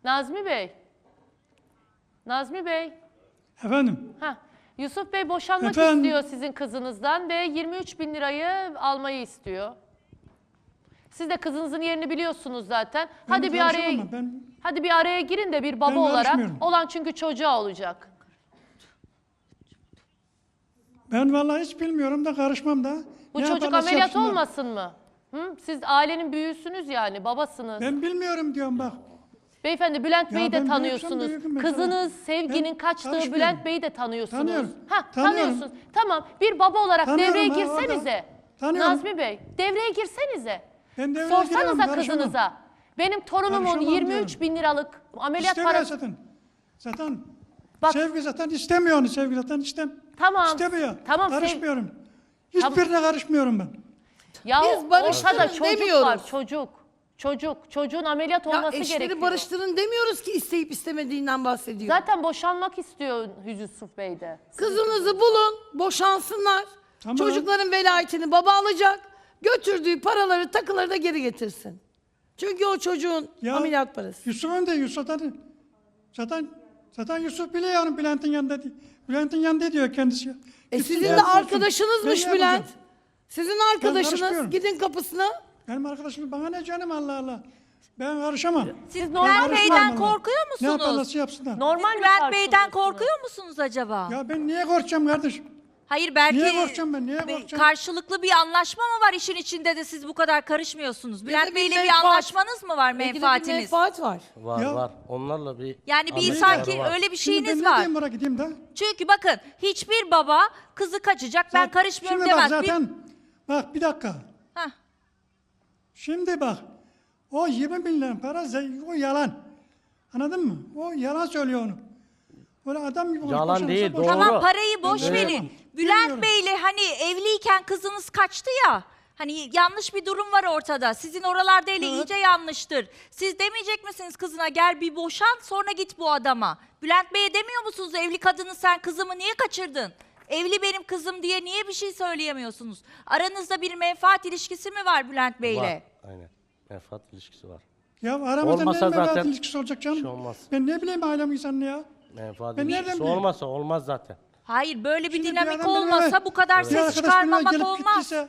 Nazmi Bey. Nazmi Bey. Efendim? Heh. Yusuf Bey boşanmak Efendim? istiyor sizin kızınızdan ve 23.000 lirayı almayı istiyor. Siz de kızınızın yerini biliyorsunuz zaten. Hadi bir araya hadi bir araya girin de bir baba olarak. Olan çünkü çocuğa olacak. Ben vallahi hiç bilmiyorum da karışmam da. Bu Ne çocuk yaparlarsa ameliyat yapsınlar. olmasın mı? Hı? Siz ailenin büyüğüsünüz yani, babasınız. Ben bilmiyorum diyorum bak. Beyefendi Bülent Ya Bey'i de ben tanıyorsunuz. büyüksem mesela. Kızınız Sevgi'nin Ben kaçtığı karışmıyorum. Bülent Bey'i de tanıyorsunuz. Tanıyorum. Ha, Tanıyorum. tanıyorsunuz. Tamam, bir baba olarak Tanıyorum devreye ha, girsenize. Tanıyorum. Nazmi Bey, devreye girsenize. Ben devreye giremem, Sorsanıza karışamam. kızınıza. Benim torunumun Karışamam 23.000 liralık ameliyat İstemiyor parası. zaten. Zaten Bak- Sevgi zaten istemiyor onu. Sevgi zaten Tamam. İstemiyor. Tamam, Karışmıyorum. Hiçbirine karışmıyorum ben. Ya Biz barıştırın ortada çocuk demiyoruz. var, çocuk. Çocuğun ameliyat Ya olması eşleri gerekiyor. barıştırın demiyoruz ki isteyip istemediğinden bahsediyor. Zaten boşanmak istiyor Yusuf Bey de. Kızınızı bulun, boşansınlar. Tamam. Çocukların velayetini baba alacak. Götürdüğü paraları, takıları da geri getirsin. Çünkü o çocuğun ameliyat parası. Yusuf'un da Yusuf zaten Yusuf biliyor onu Bülent'in yanında. Bülent'in yanında diyor kendisi. Sizin Gitsin, de gelsin. arkadaşınızmış Ben ne Bülent. yapacağım? Sizin Ben arkadaşınız. karışmıyorum. Gidin kapısına. Benim arkadaşım bana ne canım Allah Allah. Ben karışamam. Siz Ben Bülent karışmam Bey'den vallahi. korkuyor Ne musunuz? yaparlarsa yapsınlar. Normal mi Bülent Bey'den karşılıyorsunuz? korkuyor musunuz acaba? Ya ben niye korkacağım kardeşim? Hayır belki Niye korkacağım ben, niye bir korkacağım? karşılıklı bir anlaşma mı var işin içinde de siz bu kadar karışmıyorsunuz? Bülent Bey'le bir menfaat. anlaşmanız mı var, Belki de bir menfaatiniz? menfaat var. Var Ya- var. Onlarla bir Yani bir anlaşmaları sanki var. öyle bir Şimdi ben şeyiniz ne var. diyeyim oraya gideyim de? Çünkü bakın hiçbir baba kızı kaçacak ben karışmıyorum Şimdi bak demez. zaten bak bir dakika. Hah. Şimdi bak o 20 bin lira para o yalan. Anladın mı? O yalan söylüyor onu. Böyle adam gibi Yalan boşanırsa değil, boşanır. doğru. Tamam parayı boş Ben verin. bilmiyorum. Bülent Bey'le hani evliyken kızınız kaçtı ya. Hani yanlış bir durum var ortada. Sizin oralarda ile Evet. iyice yanlıştır. Siz demeyecek misiniz kızına gel bir boşan sonra git bu adama. Bülent Bey'e demiyor musunuz evli kadını sen kızımı niye kaçırdın? Evli benim kızım diye niye bir şey söyleyemiyorsunuz? Aranızda bir menfaat ilişkisi mi var Bülent Bey'le? Var. Aynen. Menfaat ilişkisi var. Ya aramızda Olmasa ne menfaat zaten ilişkisi olacak canım? bir şey olmaz. Ben ne bileyim ailem insanını ya. Menfaat Ben nereden ilişkisi bileyim? olmasa olmaz zaten. Hayır böyle bir Şimdi dinamik adam benim olmasa eve- bu kadar bir ses arkadaş benimle çıkarmamak gelip olmaz. gittiyse-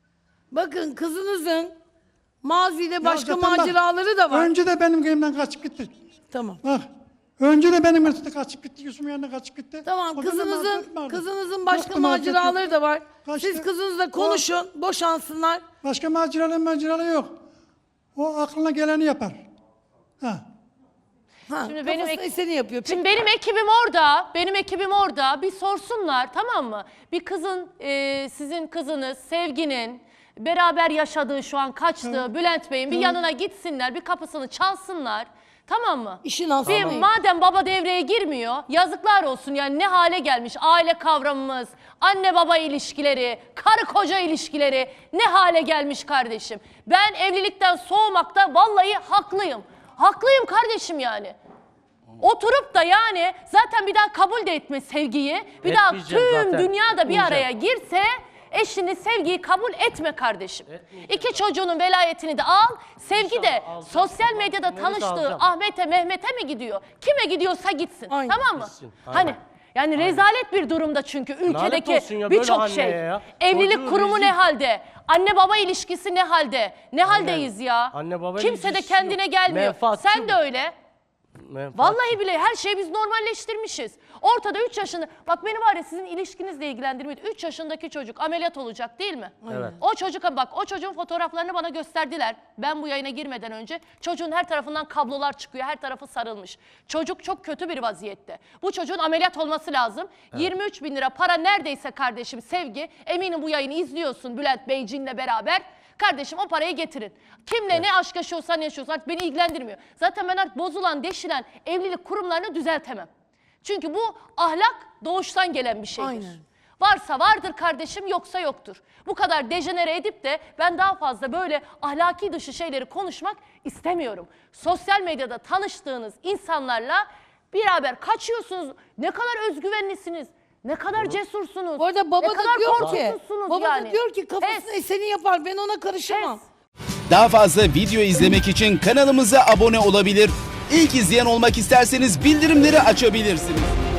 Bakın kızınızın mazide başka zaten bak, maceraları da var. Önce de benim elimden kaçıp gitti. Tamam. Bak. Önce de benim elimden kaçıp gitti. Yusuf'un yanına kaçıp gitti. Tamam O zaman mazeret kızınızın vardı. kızınızın başka Yoktu, mazeret maceraları yok. da var. Kaçtı. Siz kızınızla konuşun, boşansınlar. Başka maceralı yok. O aklına geleni yapar. Ha. Ha, Şimdi benim kafasına eseni yapıyor. Şimdi benim ekibim orada bir sorsunlar, tamam mı? Bir kızın, sizin kızınız Sevgi'nin beraber yaşadığı şu an kaçtığı Bülent Bey'in bir yanına gitsinler, bir kapısını çalsınlar, tamam mı? İşin aslı. Bir, madem baba devreye girmiyor, yazıklar olsun yani ne hale gelmiş aile kavramımız, anne baba ilişkileri, karı koca ilişkileri ne hale gelmiş kardeşim. Ben evlilikten soğumakta vallahi haklıyım. Haklıyım kardeşim yani. Oturup da yani zaten bir daha kabul de etme Sevgi'yi. Bir daha Etmeyeceğim tüm zaten. dünya da bir Etmeyeceğim. araya girse eşini Sevgi'yi kabul etme kardeşim. İki çocuğunun velayetini de al. Sevgi de alacağım. sosyal medyada Neresi tanıştığı alacağım? Ahmet'e Mehmet'e mi gidiyor? Kime gidiyorsa gitsin. Aynen. Tamam mı? Gitsin, Hani aynen. yani rezalet bir durumda çünkü ülkedeki olsun ya, böyle birçok anneye şey. ya. Evlilik Çocuğu kurumu rezil. ne halde? Anne baba ilişkisi ne halde? Ne haldeyiz ya? Anne baba Kimse de ilişkisi kendine yok. gelmiyor. Menfaatçı Sen de bu. öyle. Menfaat. Vallahi bile her şeyi biz normalleştirmişiz. Ortada 3 yaşında, bak beni var ya sizin ilişkinizle ilgilendirmiyor. 3 yaşındaki çocuk ameliyat olacak değil mi? Evet. O çocuğa bak, o çocuğun fotoğraflarını bana gösterdiler. Ben bu yayına girmeden önce çocuğun her tarafından kablolar çıkıyor, her tarafı sarılmış. Çocuk çok kötü bir vaziyette. Bu çocuğun ameliyat olması lazım. 23 bin lira para neredeyse kardeşim Sevgi, eminim bu yayını izliyorsun Bülent Beyciğinle beraber. Kardeşim o parayı getirin. Kimle ne aşk yaşıyorsan yaşıyorsan artık beni ilgilendirmiyor. Zaten ben artık bozulan, deşilen evlilik kurumlarını düzeltemem. Çünkü bu ahlak doğuştan gelen bir şeydir. Aynen. Varsa vardır kardeşim, yoksa yoktur. Bu kadar dejenere edip de ben daha fazla böyle ahlaki dışı şeyleri konuşmak istemiyorum. Sosyal medyada tanıştığınız insanlarla beraber kaçıyorsunuz. Ne kadar özgüvenlisiniz. Ne kadar cesursunuz. Bu arada baba ne da kadar diyor ki, korkusuzsunuz baba yani. da diyor ki kafasına Pes, eseni yapar, ben ona karışamam. pes. Daha fazla video izlemek için kanalımıza abone olabilir. İlk izleyen olmak isterseniz bildirimleri açabilirsiniz.